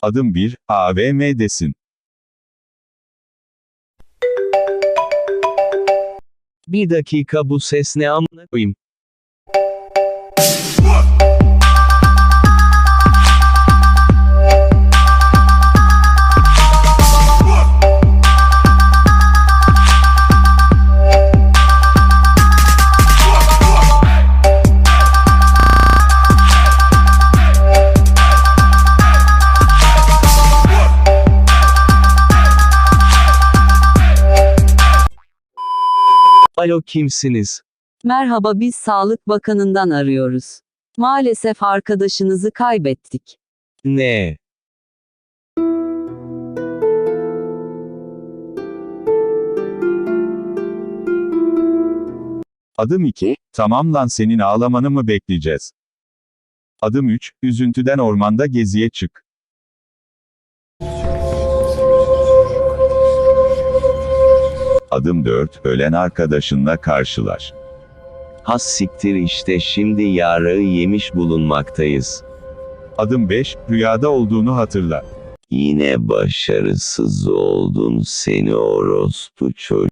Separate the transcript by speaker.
Speaker 1: Adım 1, AVM'desin.
Speaker 2: Bir dakika, bu ses ne amına koyayım? Alo, kimsiniz?
Speaker 3: Merhaba, biz Sağlık Bakanı'ndan arıyoruz. Maalesef arkadaşınızı kaybettik.
Speaker 2: Ne?
Speaker 1: Adım 2, tamam lan, senin ağlamanı mı bekleyeceğiz? Adım 3, üzüntüden ormanda geziye çık. Adım 4, ölen arkadaşınla karşılaş.
Speaker 2: Has siktir, işte şimdi yarığı yemiş bulunmaktayız.
Speaker 1: Adım 5, rüyada olduğunu hatırla.
Speaker 2: Yine başarısız oldun seni orospu çocuğu.